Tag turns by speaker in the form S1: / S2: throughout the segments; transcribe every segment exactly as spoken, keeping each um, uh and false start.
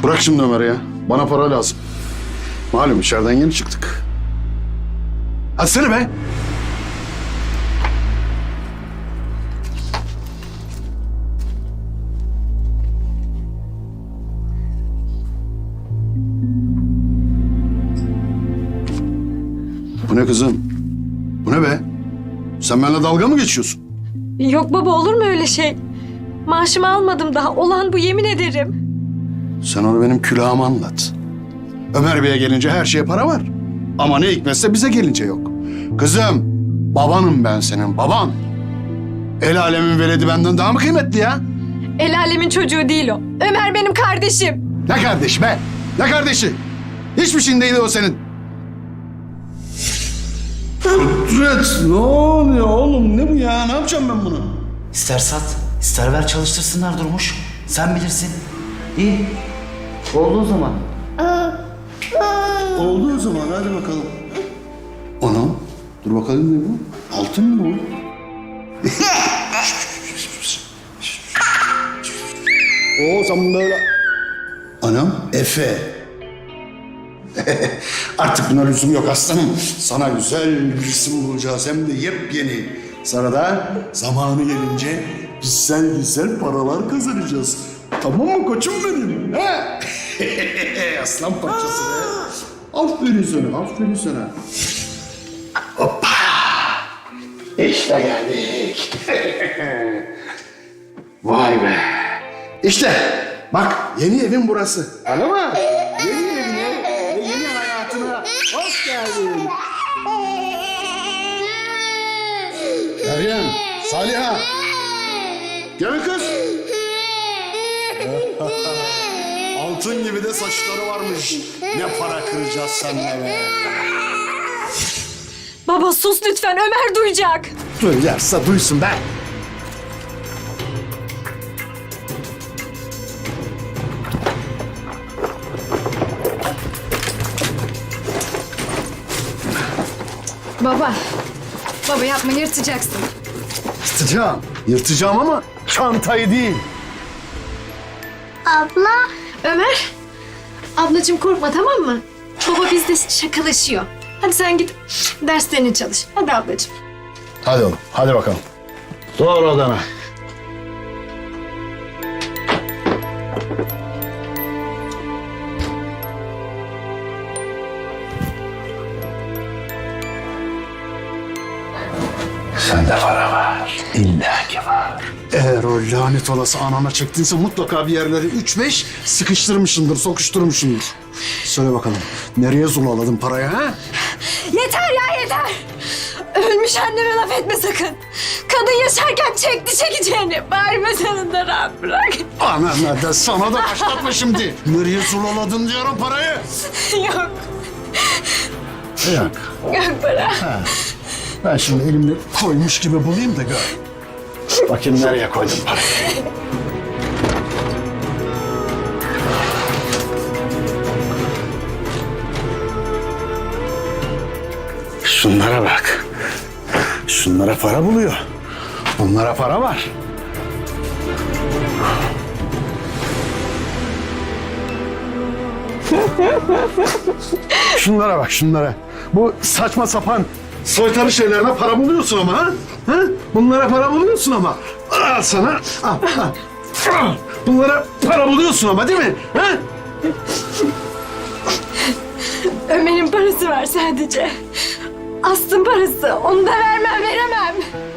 S1: Bırak şimdi Ömer'i ya. Bana para lazım. Malum içeriden yeni çıktık. Hadi seni be. Bu ne kızım? Bu ne be? Sen benimle dalga mı geçiyorsun?
S2: Yok baba, olur mu öyle şey? Maaşımı almadım daha. Olan bu, yemin ederim.
S1: Sen onu benim külahıma anlat. Ömer Bey'e gelince her şeye para var. Ama ne hikmetse bize gelince yok. Kızım, babanım ben senin, baban. El alemin veledi benden daha mı kıymetli ya?
S2: El alemin çocuğu değil o. Ömer benim kardeşim.
S1: Ne kardeşi be? Ne kardeşi? Hiçbir şeyin değil o senin. Kudret, ne oluyor oğlum? Ne bu ya? Ne yapacağım ben bunu?
S3: İster sat, ister ver çalıştırsınlar Durmuş. Sen bilirsin. İyi. Oldu o zaman.
S1: Oldu o zaman, hadi bakalım. Anam, dur bakalım ne bu? Altın mı bu? O zaman böyle... Anam, Efe. Artık buna lüzum yok aslanım. Sana güzel bir isim bulacağız, hem de yepyeni. Sonra da zamanı gelince güzel güzel paralar kazanacağız. Tamam mı koçum benim? He? Aslan parçası be. Aferin sana, aferin sana. Hoppa! İşte geldik. Vay be. İşte bak, yeni evin burası. Anladın mı? Yeni evine ve yeni hayatına hoş geldin. Meryem, Saliha. Gelin kız. Altın gibi de saçları varmış. Ne para kıracağız seninle be.
S2: Baba sus lütfen, Ömer duyacak.
S1: Duyarsa duysun be.
S4: Baba. Baba yapma, yırtacaksın.
S1: Yırtacağım. Yırtacağım ama çantayı değil.
S4: Abla. Ömer. Ablacığım korkma, tamam mı? Baba bizde şakalaşıyor. Hadi sen git derslerini çalış. Hadi ablacığım.
S1: Hadi oğlum, hadi bakalım. Doğru odana. Sende para var. İlla ki var. Eğer o lanet olası anana çektiyse mutlaka bir yerleri üç beş sıkıştırmışsındır, sokuşturmuşsundur. Söyle bakalım, nereye zulaladın parayı ha?
S2: Yeter ya, yeter. Ölmüş anneme laf etme sakın. Kadın yaşarken çekti çekeceğini. Bağırma sen de rahat bırak.
S1: Anam da sana da başlatma şimdi. Nereye zulaladın diyorum parayı.
S2: Yok,
S1: Yok.
S2: yok para.
S1: Ha. Ben şimdi elimle koymuş gibi bulayım da gör. Bakayım nereye koydum parayı. Şunlara bak. Şunlara para buluyor. Bunlara para var. Şunlara bak, şunlara. Bu saçma sapan soytarı şeylerine para buluyorsun ama ha? ha? Bunlara para buluyorsun ama. Al sana. Al, al. Al. Bunlara para buluyorsun ama değil mi? Ha?
S2: Ömer'in parası var sadece. Aslı'nın parası. Onu da vermem, veremem.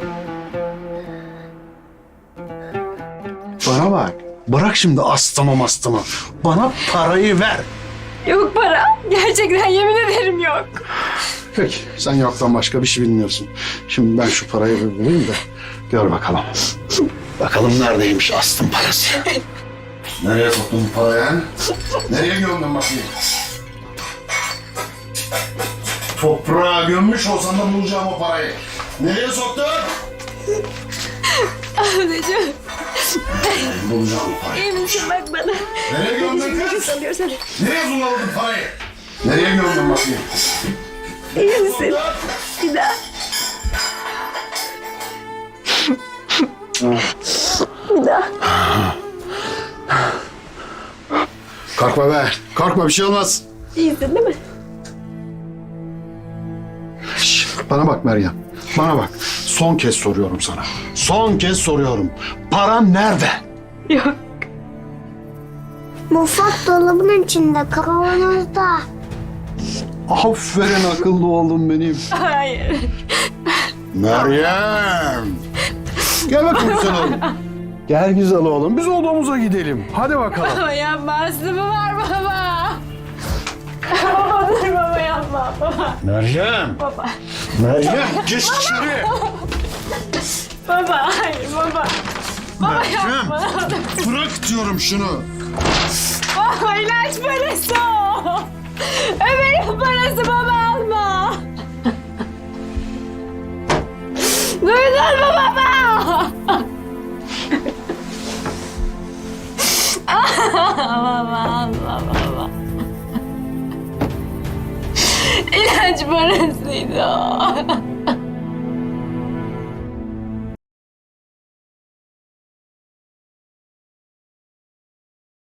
S1: Bana bak. Bırak şimdi astımı mastımı. Bana parayı ver.
S2: Yok para. Gerçekten yemin ederim yok.
S1: Peki, sen yoktan başka bir şey bilmiyorsun. Şimdi ben şu parayı bir bulayım da gör bakalım. Bakalım neredeymiş astım parası. Nereye soktun bu parayı? ha? Nereye gömdün bakayım? Toprağa gömmüş olsan da bulacağım o parayı. Nereye soktun?
S2: Ablacığım,
S1: Bulacağım o parayı.
S2: iyi misin bak bana?
S1: Nereye gömdün
S2: Nefes
S1: kız?
S2: alıyorsan.
S1: Nereye zulaladın parayı? Nereye gömdün bakayım?
S2: İyi misin? Bir daha. Bir daha.
S1: Korkma be. Korkma, bir şey olmaz.
S4: İyisin değil mi?
S1: Şş, bana bak Meryem. Bana bak. Son kez soruyorum sana. Son kez soruyorum. Paran nerede?
S4: Yok.
S5: Mutfak dolabının içinde, kavanozda.
S1: Aferin akıllı oğlum benim.
S2: Hayır.
S1: Meryem. Gel bakayım güzel oğlum. Gel güzel oğlum. Biz odamıza gidelim. Hadi bakalım.
S2: Baba yapma, Aslı mı var baba? Baba dur baba yapma baba.
S1: Meryem.
S2: Baba.
S1: Meryem geç içeri.
S2: Baba hayır baba. Baba
S1: Meryem.
S2: yapma.
S1: Bırak diyorum şunu.
S2: Baba ilaç parası o. Ömer'in parası baba alma. Duydun mu baba? Baba alma baba. İlaç parasıydı o.